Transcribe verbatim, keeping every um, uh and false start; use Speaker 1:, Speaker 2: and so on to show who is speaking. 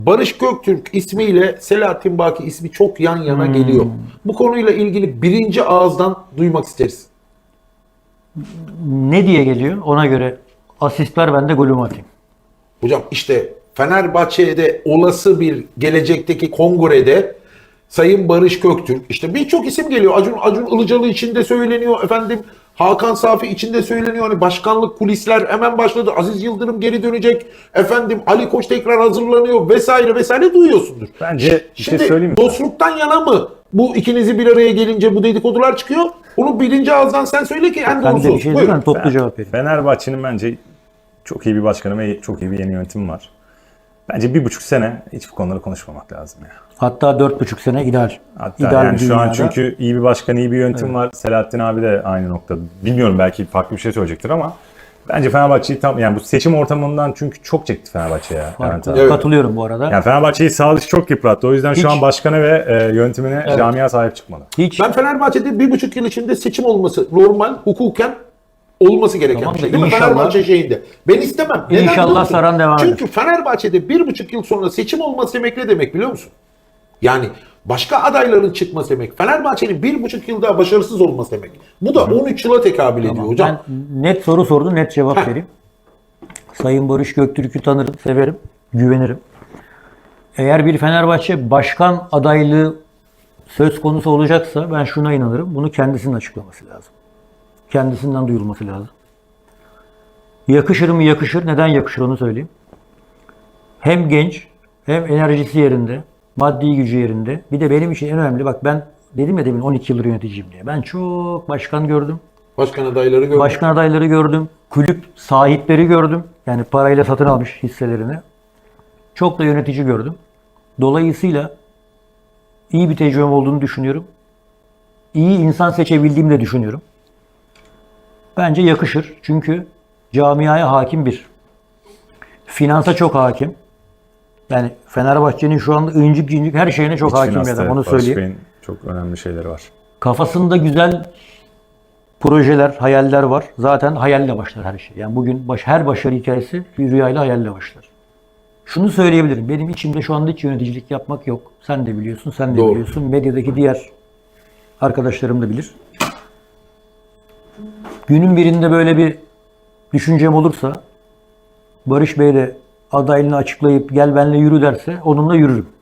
Speaker 1: Barış Göktürk ismiyle Selahattin Baki ismi çok yan yana
Speaker 2: Hmm.
Speaker 1: geliyor. Bu konuyla ilgili birinci ağızdan duymak isteriz.
Speaker 2: Ne diye geliyor? Ona göre asist ver, ben de golümü atayım.
Speaker 1: Hocam işte Fenerbahçe'de olası bir gelecekteki kongrede Sayın Barış Göktürk, işte birçok isim geliyor. Acun Acun Ilıcalı için de söyleniyor efendim. Hakan Safi için de söyleniyor. Hani başkanlık kulisler hemen başladı. Aziz Yıldırım geri dönecek. Efendim Ali Koç tekrar hazırlanıyor vesaire vesaire duyuyorsundur.
Speaker 3: Bence bir şey
Speaker 1: Şimdi
Speaker 3: söyleyeyim mi?
Speaker 1: dostluktan yana mı bu ikinizi bir araya gelince bu dedikodular çıkıyor? Onu birinci ağızdan sen söyle ki en
Speaker 2: Ben
Speaker 1: doğrusu.
Speaker 2: de bir şey
Speaker 1: Buyurun.
Speaker 2: diyeyim, toplu cevap vereyim.
Speaker 3: Fenerbahçe'nin bence çok iyi bir başkanı ve çok iyi bir yeni yönetimi var. Bence bir buçuk sene hiç bu konuları konuşmamak lazım ya.
Speaker 2: Hatta dört buçuk sene ideal.
Speaker 3: Hatta
Speaker 2: ideal
Speaker 3: yani
Speaker 2: bir
Speaker 3: şu an
Speaker 2: dünyada.
Speaker 3: çünkü iyi bir başkan, iyi bir yönetim var. Selahattin abi de aynı noktada. Bilmiyorum, belki farklı bir şey söyleyecektir ama bence Fenerbahçe'yi tam, yani bu seçim ortamından çünkü çok çekti Fenerbahçe ya. Levent abi.
Speaker 1: Evet.
Speaker 2: Katılıyorum bu arada.
Speaker 3: Yani Fenerbahçe'yi sağ dışı çok yıprattı. O yüzden
Speaker 2: Hiç.
Speaker 3: şu an başkanı ve e, yönetimine, camia sahip çıkmalı.
Speaker 2: Hiç
Speaker 1: Ben Fenerbahçe'de bir buçuk yıl içinde seçim olması normal, hukuken olması gereken
Speaker 2: Tamam
Speaker 1: bir
Speaker 2: da
Speaker 1: şey değil mi?
Speaker 2: inşallah-
Speaker 1: Fenerbahçe şeyinde. Ben istemem. Neden
Speaker 2: İnşallah
Speaker 1: biliyor musun?
Speaker 2: saran devam eder.
Speaker 1: Çünkü Fenerbahçe'de bir buçuk yıl sonra seçim olması demek ne demek biliyor musun? Yani başka adayların çıkması demek. Fenerbahçe'nin bir buçuk yıl daha başarısız olması demek. Bu da on üç yıla tekabül ediyor hocam.
Speaker 2: Ben net soru sordum, net cevap
Speaker 1: Heh.
Speaker 2: vereyim. Sayın Barış Göktürk'ü tanırım, severim, güvenirim. Eğer bir Fenerbahçe başkan adaylığı söz konusu olacaksa ben şuna inanırım. Bunu kendisinin açıklaması lazım. Kendisinden duyulması lazım. Yakışır mı yakışır? Neden yakışır onu söyleyeyim. Hem genç, hem enerjisi yerinde, maddi gücü yerinde. Bir de benim için en önemli, bak ben dedim ya demin on iki yıldır yöneticiyim diye. Ben çok başkan gördüm.
Speaker 1: Başkan adayları gördüm.
Speaker 2: Başkan adayları gördüm. Kulüp sahipleri gördüm. Yani parayla satın almış hisselerini. Çok da yönetici gördüm. Dolayısıyla iyi bir tecrübem olduğunu düşünüyorum. İyi insan seçebildiğimi de düşünüyorum. Bence yakışır. Çünkü camiaya hakim bir. Finansa çok hakim. Yani Fenerbahçe'nin şu anda incik incik her şeyine çok
Speaker 3: İç
Speaker 2: hakim bir
Speaker 3: finansta
Speaker 2: adam. Onu
Speaker 3: Barış
Speaker 2: söyleyeyim.
Speaker 3: Bey'in çok önemli şeyleri var.
Speaker 2: Kafasında güzel projeler, hayaller var. Zaten hayalle başlar her şey. Yani bugün baş, her başarı hikayesi bir rüyayla, hayalle başlar. Şunu söyleyebilirim. Benim içimde şu anda hiç yöneticilik yapmak yok. Sen de biliyorsun, sen de
Speaker 1: Doğru.
Speaker 2: biliyorsun. Medyadaki diğer arkadaşlarım da bilir. Günün birinde böyle bir düşüncem olursa Barış Bey de adaylığını açıklayıp gel benimle yürü derse onunla yürürüm.